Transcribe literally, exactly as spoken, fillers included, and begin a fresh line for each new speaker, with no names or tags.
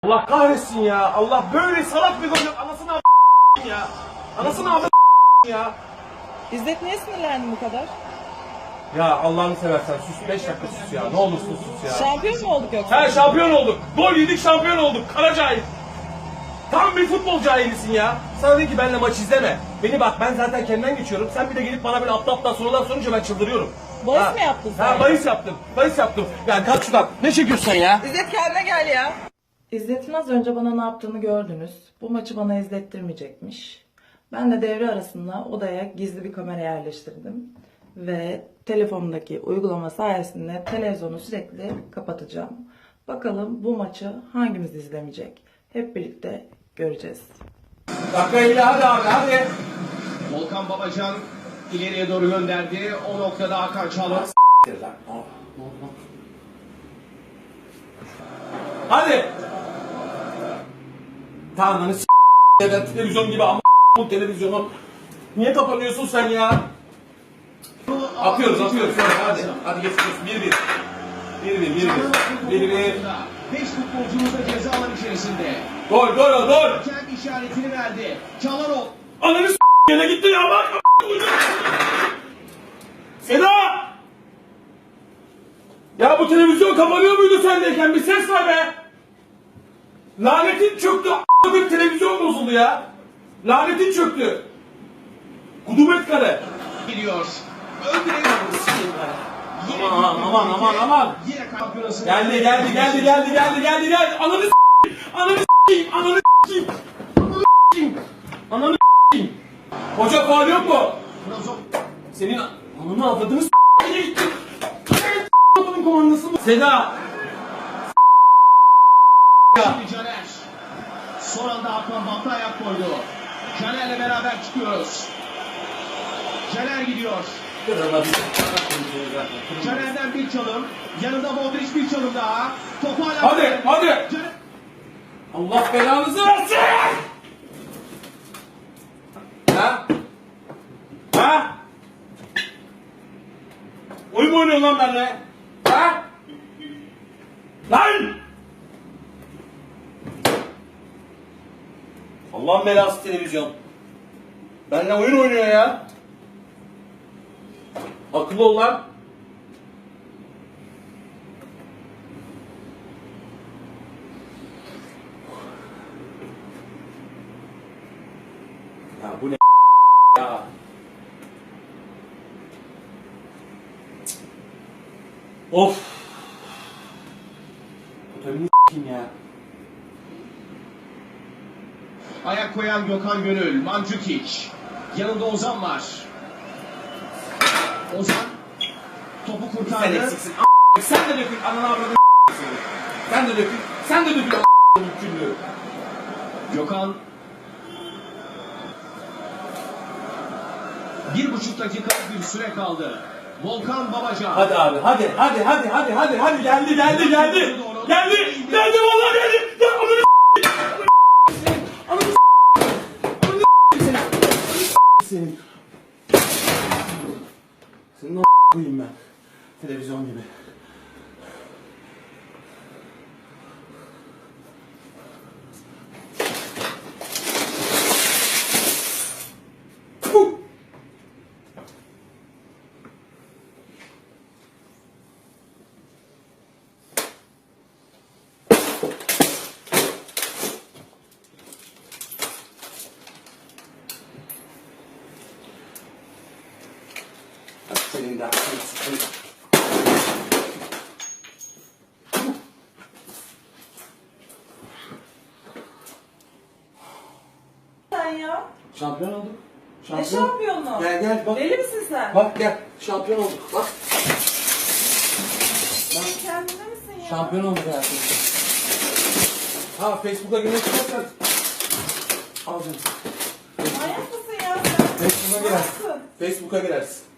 Allah kahretsin ya. Allah böyle salak bir gol yok. Anasını a** ya. Anasını a** ya.
İzzet niye sinirlendin bu kadar?
Ya Allah'ını seversen sus. beş dakika sus ya. Ne olursun sus ya.
Şampiyon mu olduk yoksa?
He şampiyon olduk. Gol yedik şampiyon olduk. Kara cahil. Tam bir futbol cahilisin ya. Sana dedi ki benimle maç izleme. Beni bak ben zaten kendimden geçiyorum. Sen bir de gelip bana böyle aptal aptal sorular sorunca ben çıldırıyorum.
Bahis
Ha.
mi yaptın sen?
Ha bahis yaptım. Bahis yaptım. Yani kalk şuradan. Ne çekiyorsun sen ya?
İzzet kendine gel ya. İzzet'in az önce bana ne yaptığını gördünüz. Bu maçı bana izlettirmeyecekmiş. Ben de devre arasında odaya gizli bir kamera yerleştirdim. Ve telefonumdaki uygulama sayesinde televizyonu sürekli kapatacağım. Bakalım bu maçı hangimiz izlemeyecek? Hep birlikte göreceğiz.
Dakika ile hadi abi hadi.
Volkan Babacan ileriye doğru gönderdi. O noktada Hakan Çalhanoğlu.
Hadi. Tamam lan s*** ben televizyon gibi ama bu televizyonu. Niye kapanıyorsun sen ya? Atıyoruz atıyoruz hadi. Hadi geçiyoruz. bir bir. bir bir bir bir. bir bir.
beş futbolcumuz da ceza alan içerisinde.
Gol gol gol.
Kendi işaretini verdi. Çalhanoğlu.
Ananı s*** gene gitti ya bak. Seda! Ya bu televizyon kapanıyor muydu sendeyken? Bir ses var be. Lanetin çöktü. A**lık televizyon bozuldu ya. Lanetin çöktü. Kudubet kare.
Gidiyor. Öldürüyor.
Aman aman aman aman.
Yine kampiyonası.
Geldi geldi geldi geldi geldi geldi geldi. Ananı s***yim. Ananı s***yim. Ananı s***yim. Ananı s***yim. Ananı s***yim. Hoca faul yok mu? Senin ananı avladığını s***ye gitti. S***ın komandası mı? Seda.
Şimdi Caner. Son anda Hakan Batı ayak koydu. Caner'le beraber çıkıyoruz. Caner gidiyor. Caner'den bir çalım. Yanında Modric bir çalım daha. Topu hala...
Hadi hadi.
Caner...
Allah belanızı versin. Ha? Ha? Oyun mu oynuyorsun lan benimle? Ha? Lan! Allah'ın belası televizyon. Benimle oyun oynuyor ya. Akıllı ol lan. Ya bu ne ya? Of. Otelini s**eyim ya.
Ayak koyan Gökhan Gönül. Mandzukic. Yanında Ozan var. Ozan topu
Sen
kurtardı.
eksiksin. A**. Sen de dökül. Ananı avradını s**eyim. Sen de dökül. Sen de dökül. A**. Mümkünlüğü.
Gökhan bir buçuk dakikalık bir süre kaldı. Volkan Babacan.
Hadi abi hadi hadi hadi hadi hadi hadi geldi geldi geldi. Geldi geldi vallahi geldi. Ya ananı s**eyim. Ananı s**eyim. Ananı s**eyim. Ananı s**eyim. Senin o koyayım ben. Televizyon gibi. Puh! Senin de aklını sıkayım.
Sen ya?
Şampiyon olduk.
Ne şampiyonu?
Gel gel bak.
Deli misin sen?
Bak gel. Şampiyon olduk. Bak.
Sen kendinde misin ya?
Şampiyon olduk hayatım. Ha Facebook'a girmek istersen. Al canım.
Manyak mısın ya sen?
Facebook'a girersin.
Nasılsın?
Facebook'a girersin.